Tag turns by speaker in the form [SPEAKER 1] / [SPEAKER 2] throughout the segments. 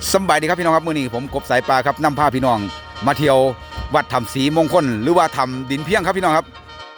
[SPEAKER 1] สบายดีครับพี่น้องครับมื้อนี้ผมกบสายปลาครับนำพาพี่น้องมาเที่ยววัดถ้ำศรีมงคลหรือว่าถ้ำดินเพียงครับพี่น้องครับ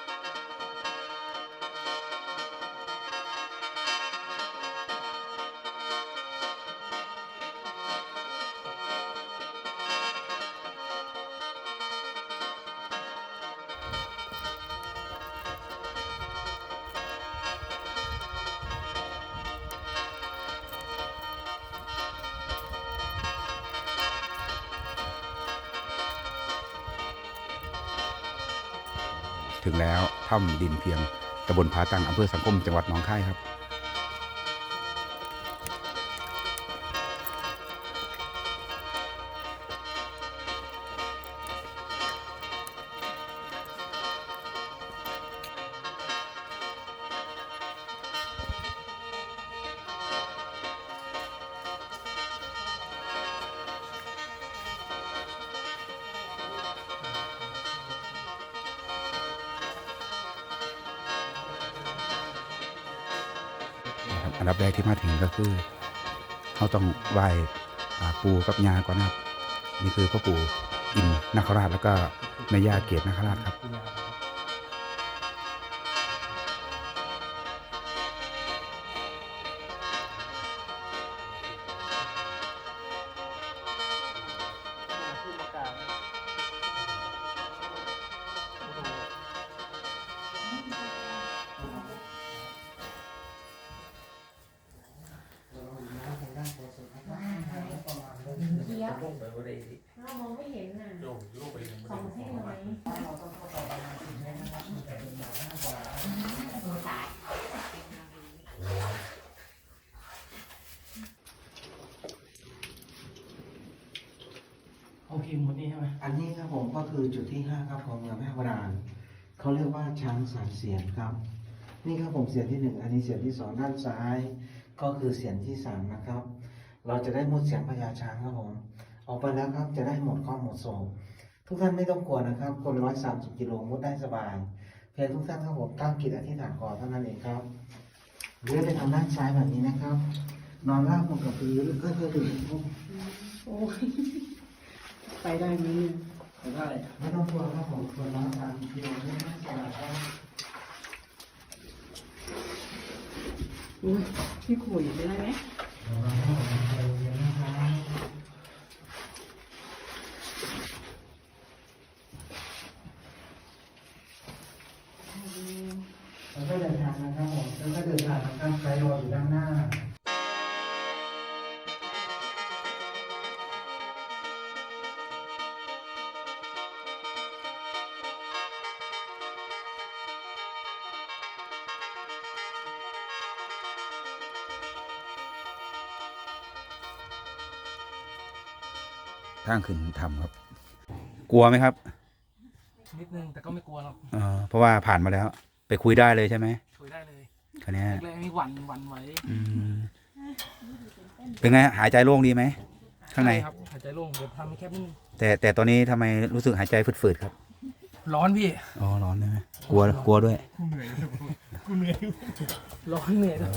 [SPEAKER 1] ถึงแล้วถ้ำดินเพียงตำบลผาตังอำเภอสังคมจังหวัดหนองคายครับอันดับแรกที่มาถึงก็คือเขาต้องไหว้ปู่กับย่าก่อนนะครับนี่คือพ่อปู่อินนคราชแล้วก็แม่ย่าเกศนคราชครับ
[SPEAKER 2] เรามองไม่เห็นน่ะของให้น้อย
[SPEAKER 3] โอเคหมดนี้ใช่ไหม
[SPEAKER 4] อันนี้ครับผมก็คือจุดที่ 5 ครับของเมืองแม่โบราณเขาเรียกว่าช้างสามเสียนครับ นี่ครับผมเสียนที่ 1 อันนี้เสียนที่ 2 ด้านซ้าย ก็คือเสียนที่ 3นะครับ เราจะได้มุดเสียงพญาช้างครับผมออกไปแล้วครับจะได้หมดข้อหมดโศกทุกท่านไม่ต้องกลัวนะครับคน130 กิโลมุดได้สบายเพียงทุกท่านครับผมตั้งจิตอธิษฐานก่อนเท่านั้นเองครับเลื่อนไปทางด้านซ้ายแบบนี้นะครับ นอนราบลงกับพื้นก็คือถึง
[SPEAKER 2] โอ้ยไปได้ไหมเนี่ย
[SPEAKER 3] ได้
[SPEAKER 4] ไม่ต้องกลัวครับผมคน130 กิโลมุดได้สบายครับ
[SPEAKER 2] อุ้ยพี่ขุยได้ไหม
[SPEAKER 4] แล้วก็เดินทางนะครับผมแล้วก็เดินทางนะครับไปรออยู่ด้านหน้า
[SPEAKER 1] ทางขึ้นถ้ำครับ กลัวไหมครับ
[SPEAKER 3] นิดนึงแต่ก็ไม่กลัวหรอก
[SPEAKER 1] เพราะว่าผ่านมาแล้วไปคุยได้เลยใช่ไหม
[SPEAKER 3] คุยได้เลย
[SPEAKER 1] คันนี้
[SPEAKER 3] แรกๆนี่หวั่นไหว
[SPEAKER 1] เป็นไงหายใจโล่งดีไหมข้างใน
[SPEAKER 3] ช่ครับหายใจโล่งเดี๋ยวทำให้แคบนิดนึง
[SPEAKER 1] แต่ตอนนี้ทำไมรู้สึกหายใจฝืดๆครับ
[SPEAKER 3] ร้อนพี่
[SPEAKER 1] อ๋อร้อนใช่ไหมกลัวด้วย
[SPEAKER 3] กูเหนื่อยร้อนเหนื่อยเลย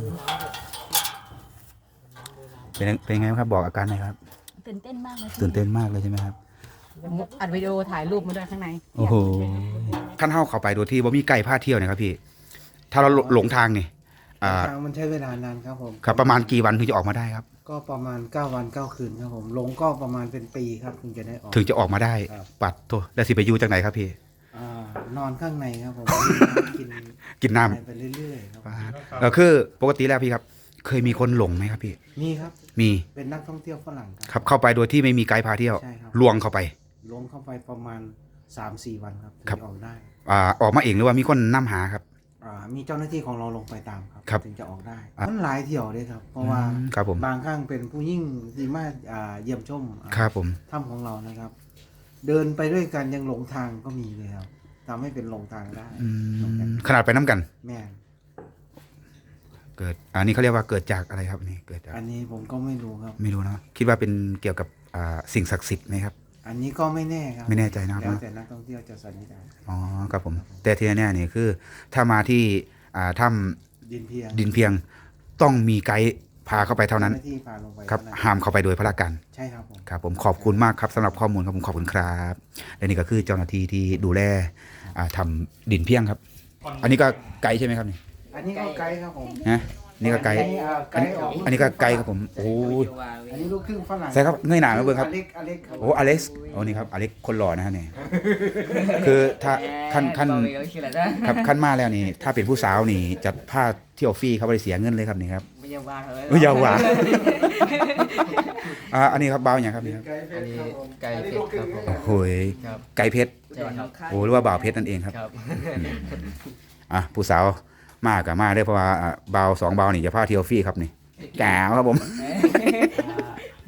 [SPEAKER 1] เป็นไงครับบอกอาการหน่อยครับ
[SPEAKER 2] ตื่นเต้นมากเลย
[SPEAKER 1] ตื่นเต้นมากเลยใช่ไหมครับ
[SPEAKER 2] อัดวิดีโอถ่ายรูปมาด้วยข้างใน
[SPEAKER 1] โอ้โหขั้นเท้าเข้าไปโดยที่ว่ามีไก่พาเที่ยวเนะครับพี่ถ้าเราหลงทางนี่
[SPEAKER 4] ทางมันใช้เวลานานครับผม
[SPEAKER 1] ครับประมาณกี่วันถึงจะออกมาได้ครับ
[SPEAKER 4] ก็ประมาณ9 วัน 9 คืนครับผมลงก็ประมาณเป็นปีครับถึงจะได้ออก
[SPEAKER 1] ถึงจะออกมาได้
[SPEAKER 4] ครับ
[SPEAKER 1] ปัดโทแล้วสิไปอยู่จากไหนครับพี่
[SPEAKER 4] นอนข้างในครับผมกิน
[SPEAKER 1] กินน้
[SPEAKER 4] ไปเรื่อยๆครับ
[SPEAKER 1] ำคือปกติแล้วพี่ครับ เคยมีคนหลงไหมครับพี่
[SPEAKER 4] มีครับ
[SPEAKER 1] มี
[SPEAKER 4] เป็นนักท่องเที่ยวฝรั่งค
[SPEAKER 1] ครับ รับเข้าไปโดยที่ไม่มีไกด์พาเที่ยว
[SPEAKER 4] ใช่ครับ
[SPEAKER 1] ลวงเข้าไป
[SPEAKER 4] ลงเข้าไปประมาณ 3-4 วันครับถึง
[SPEAKER 1] ครับ
[SPEAKER 4] จะออกได้
[SPEAKER 1] ออกมาเองหรือว่ามีคนนำหาครับ
[SPEAKER 4] มีเจ้าหน้าที่ของเราลงไปตามครับ
[SPEAKER 1] ครับ
[SPEAKER 4] ถึงจะออกได้
[SPEAKER 1] อ่ะ
[SPEAKER 4] มันหลายเที่ยวเลยครับ เพราะว่า
[SPEAKER 1] ครับผม
[SPEAKER 4] บางครั้งเป็นผู้ยิ่งที่มาเยี่ยมชม
[SPEAKER 1] ครับผม
[SPEAKER 4] ถ้ำของเรานะครับ เดินไปด้วยกันยังหลงทางก็มีเลยครับทำให้เป็นหลงทางได้
[SPEAKER 1] ขนาดไปน้ำกัน
[SPEAKER 4] แม่น
[SPEAKER 1] เกิดอันนี้เขาเรียกว่าเกิดจากอะไรครับนี่เกิดจาก
[SPEAKER 4] อันนี้ผมก็ไม่รู้ครับ
[SPEAKER 1] ไม่รู้เนอะคิดว่าเป็นเกี่ยวกับสิ่งศักดิ์สิทธิ์ไหมครับ
[SPEAKER 4] อันนี้ก็ไม่แน่ครับ
[SPEAKER 1] ไม่แน่ใจนะครับ
[SPEAKER 4] แล้วแต่นักท่องเที่ยวจะสันนิษฐาน
[SPEAKER 1] อ๋อครับผม แต่ที่แน่ๆนี่คือ ถ้ามาที่ถ้
[SPEAKER 4] ดินเพียง
[SPEAKER 1] ำดินเพียงต้องมีไกด์พาเข้าไปเท่านั้น
[SPEAKER 4] จ้หที่พาลงไป
[SPEAKER 1] ครับ
[SPEAKER 4] เท่านั้น
[SPEAKER 1] ห้ามเข้าไปโดยพระการ
[SPEAKER 4] ใช่ครับผม
[SPEAKER 1] ครับผมขอบคุณมากครับสำหรับข้อมูลครับผมขอบคุณครับและนี่ก็คือเจ้าหน้าที่ที่ดูแลทำดินเพียงครับ อันนี้ก็ไกด์ใช่ไหมครับนี่
[SPEAKER 4] อันนี้ก็ไกด์ครับผม
[SPEAKER 1] นะนี่ก็ไกด์
[SPEAKER 4] ไกด์ออก
[SPEAKER 1] อันนี้ก็ไกด์ครับผมโอ้ย
[SPEAKER 4] อันนี้ลูกครึ่งฝรั่ง
[SPEAKER 1] ใช่ครับเงยหน้ามาเบิ่งครับ
[SPEAKER 4] อเล็กครับ
[SPEAKER 1] โอ้อเล็กซ์โอ้นี่ครับอเล็กซ์คนหล่อนะฮะเนี่ยคือถ้าขั้นครับขั้นมาแล้วนี่ถ้าเป็นผู้สาวนี่จะพาเที่ยวฟรีเขาไม่ได้เสียเงินเลยครับนี่ครับ
[SPEAKER 3] ไม่ยาวว่าเลย
[SPEAKER 1] ไม่ยาวหวานอันนี้ครับเบาอย่างครับนี่ครับ
[SPEAKER 4] ไกด์เพชรครับผม
[SPEAKER 3] ไก่เพชรครับผม
[SPEAKER 1] โอ้โหย
[SPEAKER 3] ครับ
[SPEAKER 1] ไก่เพชร
[SPEAKER 3] ใช่ครับ
[SPEAKER 1] โอ้หรือว่าบ่าวเพชรนั่นเองครับ
[SPEAKER 3] ครับ
[SPEAKER 1] ผู้สาวมากกับมาได้อเพราะว่าเบาสองเบานี่จะพาเที่ยวฟรีครับนี่แก้วครับผม